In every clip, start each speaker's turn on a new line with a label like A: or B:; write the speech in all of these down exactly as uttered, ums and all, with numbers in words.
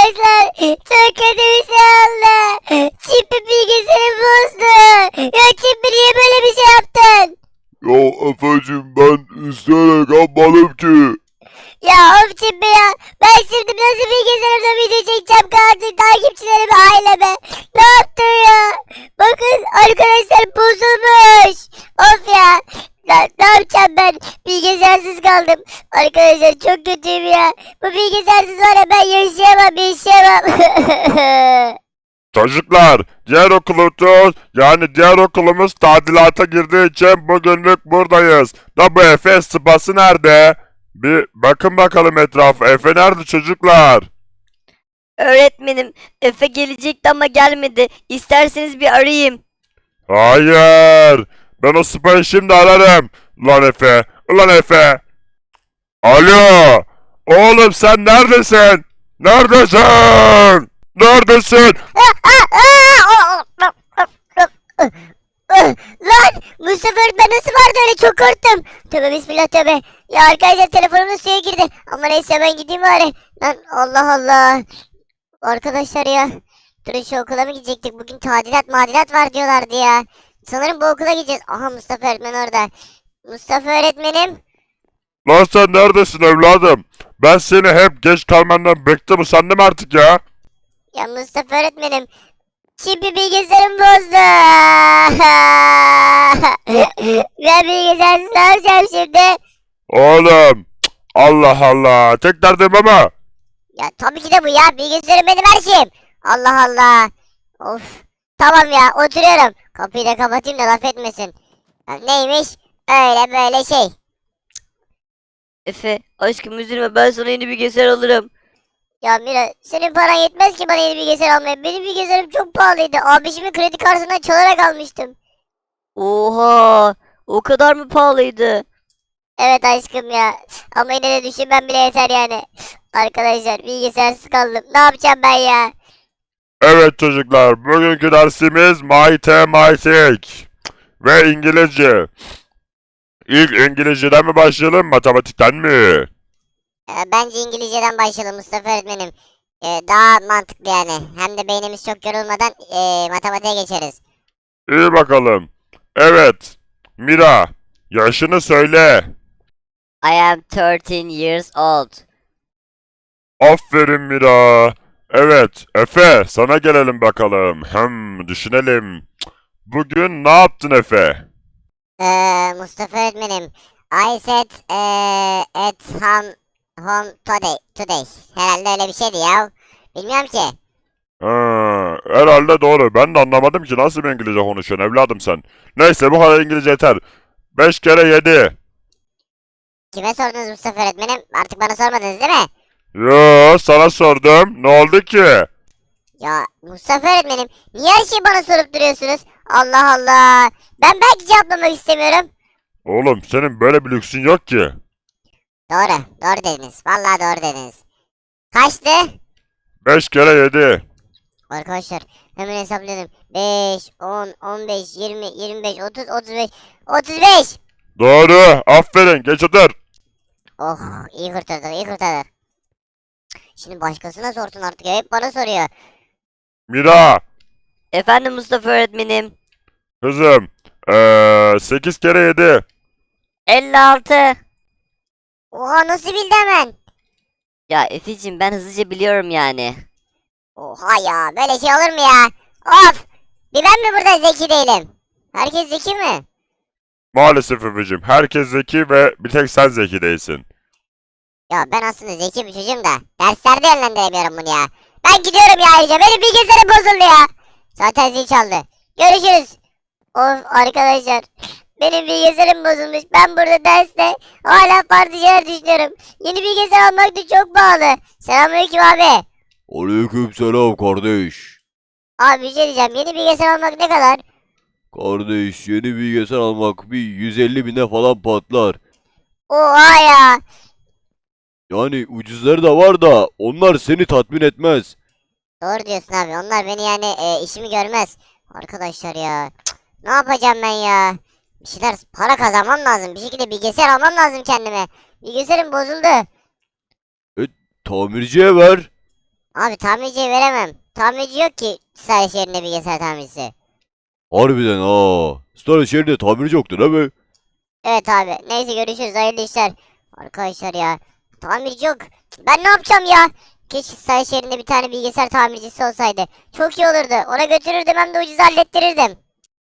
A: Arkadaşlar çok kötü bir şey oldu. Çipi bilgisayarı bozdu. Ya Çipi niye böyle bir şey yaptın?
B: Ya Efe'cim ben isteyerek yapmadım ki.
A: Ya of Çipi ya. Ben şimdi nasıl bilgisayarımda video çekeceğim kardeşim takipçilerime aileme. Ne yaptın ya? Bakın arkadaşlar bozulmuş. Of ya. Ya, ne yapacağım ben? Bilgisayarsız kaldım. Arkadaşlar çok kötüyüm ya. Bu bilgisayarsız var ya ben yaşayamam yaşayamam.
B: Çocuklar diğer okulumuz yani diğer okulumuz tadilata girdiği için bugünlük buradayız. Da bu Efe sıpası nerede? Bir bakın bakalım etrafa. Efe nerede çocuklar?
C: Öğretmenim, Efe gelecekti ama gelmedi. İsterseniz bir arayayım.
B: Hayır. Ben o sıpayı şimdi ararım. Ulan Efe. Ulan Efe. Alo. Oğlum sen neredesin? Neredesin? Neredesin?
A: Lan Mustafa öğretmen nasıl vardı öyle çok korktum. Tövbe bismillah tövbe. Ya arkadaşlar telefonum suya girdi. Ama neyse ben gideyim bari. Lan Allah Allah. Arkadaşlar ya. Durun şu okula mı gidecektik? Bugün tadilat madilat var diyorlardı ya. Sanırım bu okula gideceğiz. Aha Mustafa öğretmen orada. Mustafa öğretmenim.
B: Lan sen neredesin evladım? Ben seni hep geç kalmandan bıktım sandım artık ya.
A: Ya Mustafa öğretmenim. Çipi bilgisayarım bozdu. Ben bilgisayarsız ne yapacağım şimdi?
B: Oğlum. Cık, Allah Allah. Tek derdim ama.
A: Ya tabii ki de bu ya. Bilgisayarım benim her şeyim. Allah Allah. Of. Tamam ya oturuyorum. Kapıyı da kapatayım da laf etmesin. Ya neymiş? Öyle böyle şey.
C: Efe, aşkım üzülme, ben sana yeni bilgisayar alırım.
A: Ya Mira senin paran yetmez ki bana yeni bilgisayar almaya. Benim bilgisayarım çok pahalıydı. Abişimin kredi kartından çalarak almıştım.
C: Oha, o kadar mı pahalıydı?
A: Evet aşkım ya. Ama yine de düşünmem bile yeter yani. Arkadaşlar bilgisayarsız kaldım. Ne yapacağım ben ya?
B: Evet çocuklar. Bugünkü dersimiz matematik. Ve İngilizce. İlk İngilizceden mi başlayalım matematikten mi?
A: Ee, bence İngilizceden başlayalım Mustafa öğretmenim. Ee, daha mantıklı yani. Hem de beynimiz çok yorulmadan ee, matematiğe geçeriz.
B: İyi bakalım. Evet. Mira. Yaşını söyle.
C: I am thirteen years old.
B: Aferin Mira. Evet, Efe, sana gelelim bakalım. Hem düşünelim. Bugün ne yaptın Efe?
A: Ee, Mustafa öğretmenim. I said ee, at home, home today, today. Herhalde öyle bir şeydi ya. Bilmiyorum ki.
B: Ha, herhalde doğru. Ben de anlamadım ki nasıl bir İngilizce konuşuyorsun evladım sen. Neyse bu kadar İngilizce yeter. Beş kere yedi.
A: Kime sordunuz Mustafa öğretmenim? Artık bana sormadınız değil mi?
B: Yo, sana sordum. Ne oldu ki?
A: Ya Mustafa öğretmenim niye her şeyi bana sorup duruyorsunuz? Allah Allah. Ben belki cevaplamak istemiyorum.
B: Oğlum senin böyle bir lüksün yok ki.
A: Doğru. Doğru dediniz. Vallahi doğru dediniz. Kaçtı?
B: Beş kere yedi.
A: Arkadaşlar hemen hesapladım. beş, on, on beş, yirmi, yirmi beş, otuz, otuz beş, otuz beş.
B: Doğru. Aferin. Geç otur.
A: Oh iyi kurtardık iyi kurtardık. Şimdi başkasına sorsun artık ya. Hep bana soruyor.
B: Mira.
C: Efendim Mustafa öğretmenim.
B: Kızım. Ee, sekiz kere yedi.
C: elli altı.
A: Oha nasıl bildi hemen?
C: Ya Efe'cim ben hızlıca biliyorum yani.
A: Oha ya böyle şey olur mu ya? Of! Bir ben mi burada zeki değilim? Herkes zeki mi?
B: Maalesef Efe'cim. Herkes zeki ve bir tek sen zeki değilsin.
A: Ya ben aslında zeki bir çocuğum da derslerde yönlendiremiyorum bunu ya. Ben gidiyorum ya ayrıca benim bilgisayarım bozuldu ya. Zaten zil çaldı. Görüşürüz. Of arkadaşlar. Benim bilgisayarım bozulmuş. Ben burada derste hala farklı şeyler düşünüyorum. Yeni bilgisayar almak da çok pahalı. Selamünaleyküm abi.
D: Aleykümselam kardeş.
A: Abi bir şey diyeceğim. Yeni bilgisayar almak ne kadar?
D: Kardeş yeni bilgisayar almak bir yüz elli bine falan patlar.
A: Oha ya.
D: Yani ucuzları da var da onlar seni tatmin etmez.
A: Doğru diyorsun abi. Onlar beni yani e, işimi görmez. Arkadaşlar ya. Cık, ne yapacağım ben ya? Bir şeyler para kazanmam lazım. Bir şekilde bilgisayar almam lazım kendime. Bilgisayarım bozuldu.
D: Tamirciye ver.
A: Abi tamirciye veremem. Tamirci yok ki staj yerinde bilgisayar tamircisi.
D: Harbiden ha. Star şehrinde tamirci yoktu değil mi?
A: Evet abi. Neyse görüşürüz. Hayırlı işler. Arkadaşlar ya. Tamirci yok. Ben ne yapacağım ya? Keşke staj yerinde bir tane bilgisayar tamircisi olsaydı. Çok iyi olurdu. Ona götürürdüm hem de ucuz hallettirirdim.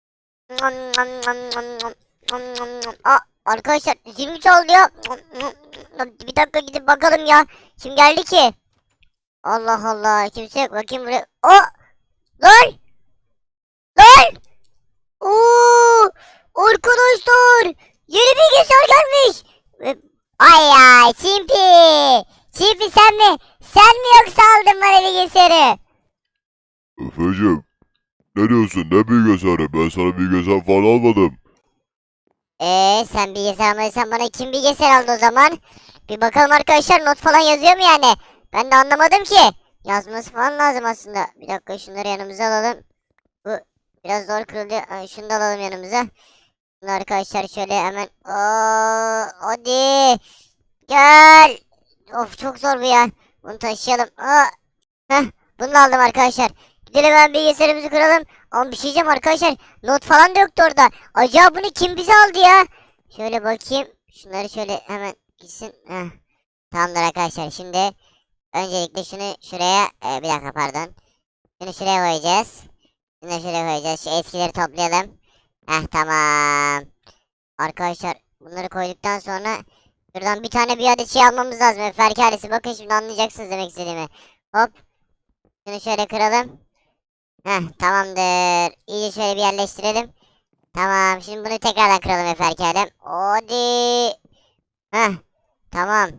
A: Aa, arkadaşlar zil mi çaldı ya? Bir dakika gidip bakalım ya. Kim geldi ki? Allah Allah. Kimse yok. Bakayım buraya. O! Lan! Lan! Oo! Arkadaşlar! Yeni bilgisayar gelmiş. Ve- Ay ya Çimpi! Çimpi sen mi? Sen mi yoksa aldın bana bilgisayarı?
B: Efeciğim, ne diyorsun? Ne bilgisayarı? Ben sana bilgisayar falan almadım.
A: Eee sen bilgisayar almadıysan bana kim bilgisayar aldı o zaman? Bir bakalım arkadaşlar not falan yazıyor mu yani? Ben de anlamadım ki. Yazması falan lazım aslında. Bir dakika şunları yanımıza alalım. Bu biraz zor kırıldı. Ay, şunu da alalım yanımıza. Bunu arkadaşlar şöyle hemen. Oo, hadi. Gel. Of çok zor bu ya. Bunu taşıyalım. Aa. Heh, bunu da aldım arkadaşlar. Gidelim hemen bilgisayarımızı kuralım. Ama bir şey diyeceğim arkadaşlar. Not falan da yoktu orada. Acaba bunu kim bize aldı ya? Şöyle bakayım. Şunları şöyle hemen gitsin. Heh. Tamamdır arkadaşlar. Şimdi öncelikle şunu şuraya. e, bir dakika pardon. Şunu şuraya koyacağız. Şunu da şuraya koyacağız. Şu eskileri toplayalım. Heh tamam. Arkadaşlar bunları koyduktan sonra şuradan bir tane bir adet şey almamız lazım. Efer ailesi. Bakın şimdi anlayacaksınız demek istediğimi. Hop. Şunu şöyle kıralım. Heh tamamdır. İyice şöyle bir yerleştirelim. Tamam. Şimdi bunu tekrardan kıralım Efer ailem. Hadi. Heh. Tamam.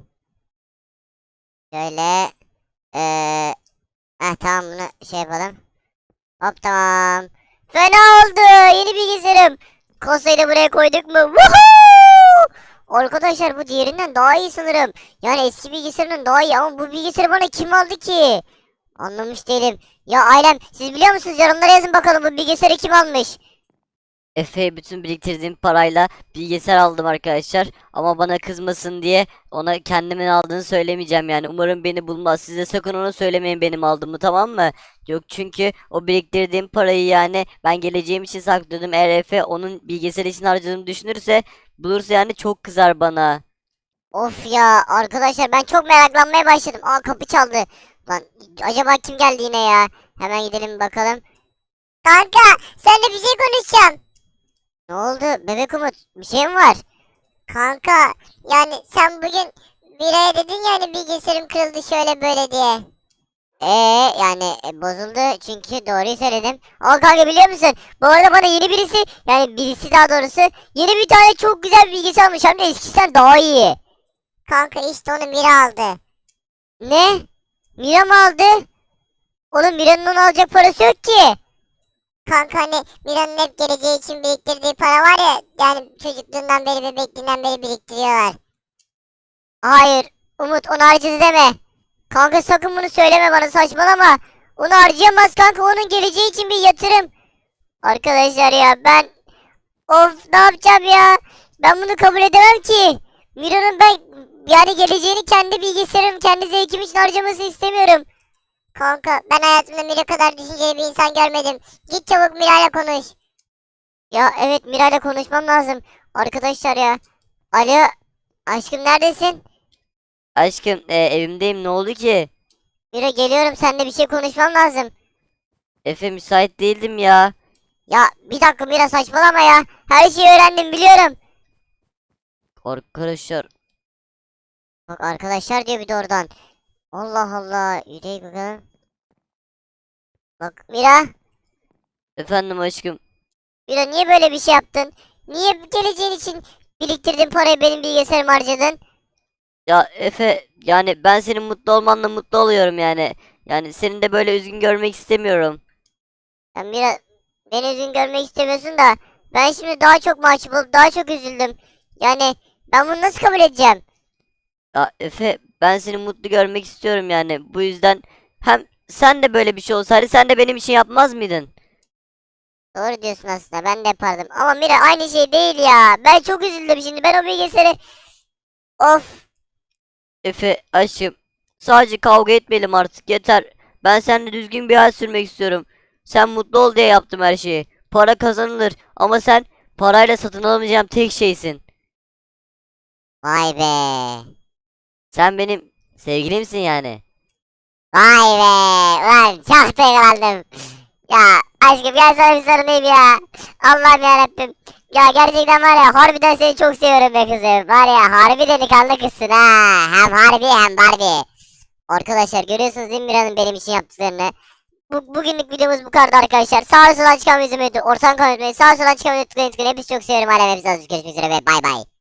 A: Şöyle. Eee. Heh tamam bunu şey yapalım. Hop tamam. Fena oldu. Yeni bilgisayarım. Kasayı da buraya koyduk mu? Woohoo! Arkadaşlar bu diğerinden daha iyi sanırım. Yani eski bilgisayarından daha iyi ama bu bilgisayarı bana kim aldı ki? Anlamış değilim. Ya ailem siz biliyor musunuz? Yorumlara yazın bakalım bu bilgisayarı kim almış?
C: Efe'ye bütün biriktirdiğim parayla bilgisayar aldım arkadaşlar. Ama bana kızmasın diye ona kendimin aldığını söylemeyeceğim yani. Umarım beni bulmaz. Size sakın ona söylemeyin benim aldığımı, tamam mı? Yok çünkü o biriktirdiğim parayı yani ben geleceğim için saklıyordum. Eğer Efe onun bilgisayar için harcadığımı düşünürse, bulursa yani çok kızar bana.
A: Of ya arkadaşlar ben çok meraklanmaya başladım. Aa kapı çaldı. Lan acaba kim geldi yine ya? Hemen gidelim bakalım. Kanka seninle bir şey konuşacağım. Ne oldu bebek Umut? Bir şey mi var? Kanka yani sen bugün biraya dedin ya hani bilgisayarım kırıldı şöyle böyle diye. Eee yani e, bozuldu çünkü doğruyu söyledim. Aa kanka biliyor musun? Bu arada bana yeni birisi yani birisi daha doğrusu yeni bir tane çok güzel bir bilgisayar almış hem de eskisinden daha iyi. Kanka işte onu Mira aldı. Ne? Mira mı aldı? Oğlum Mira'nın onu alacak parası yok ki. Kanka hani Mira'nın hep geleceği için biriktirdiği para var ya yani çocukluğundan beri bebekliğinden beri biriktiriyorlar. Hayır Umut onu harcadı deme. Kanka sakın bunu söyleme bana saçmalama. Onu harcayamaz kanka onun geleceği için bir yatırım. Arkadaşlar ya ben of ne yapacağım ya. Ben bunu kabul edemem ki. Mira'nın ben yani geleceğini kendi bilgisayarım kendi zevkim için harcamasını istemiyorum. Kanka ben hayatımda Mira kadar düşünceli bir insan görmedim. Git çabuk Mira'yla konuş. Ya evet Mira'yla konuşmam lazım. Arkadaşlar ya. Alo aşkım neredesin?
C: Aşkım e, evimdeyim, ne oldu ki?
A: Mira geliyorum seninle bir şey konuşmam lazım.
C: Efe müsait değildim ya.
A: Ya bir dakika Mira saçmalama ya. Her şeyi öğrendim biliyorum.
C: Arkadaşlar
A: Bak arkadaşlar diyor bir de oradan. Allah Allah. Yürüyük bakalım. Bak Mira.
C: efendim aşkım.
A: Mira niye böyle bir şey yaptın? Niye geleceğin için biriktirdiğin parayı benim bilgisayarıma harcadın?
C: Ya Efe yani ben senin mutlu olmanla mutlu oluyorum yani. Yani senin de böyle üzgün görmek istemiyorum.
A: Ya Mira beni üzgün görmek istemiyorsun da ben şimdi daha çok mahcup olup daha çok üzüldüm. Yani ben bunu nasıl kabul edeceğim?
C: Ya Efe ben seni mutlu görmek istiyorum yani. Bu yüzden hem sen de böyle bir şey olsaydı sen de benim için yapmaz mıydın?
A: Doğru diyorsun aslında ben de yapardım. Ama Mira aynı şey değil ya. Ben çok üzüldüm şimdi. Ben o bilgisayarı... Of.
C: Efe aşkım sadece kavga etmeyelim artık, yeter. Ben seninle düzgün bir hayat sürmek istiyorum. Sen mutlu ol diye yaptım her şeyi. Para kazanılır ama sen parayla satın alamayacağım tek şeysin.
A: Vay be.
C: Sen benim sevgilimsin yani.
A: Vay be. Ulan çok duygulandım. Ya aşkım gel sana bir sarılayım ya. Allah'ım yarabbim. Ya gerçekten var ya harbiden seni çok seviyorum be kızım. Var ya harbi delikanlı kızsın ha. Hem harbi hem Barbie. Arkadaşlar görüyorsunuz değil mi Mira'nın benim için yaptıklarını. Bu, bugünlük videomuz bu kadar arkadaşlar. Sağa sola çıkan yüzümü ortadan kanıtmayı. Sağa sola çıkan videoyu tıklayın tıklayın. Hepinizi çok seviyorum. Alem hepinizi görüşmek üzere ve bay bay.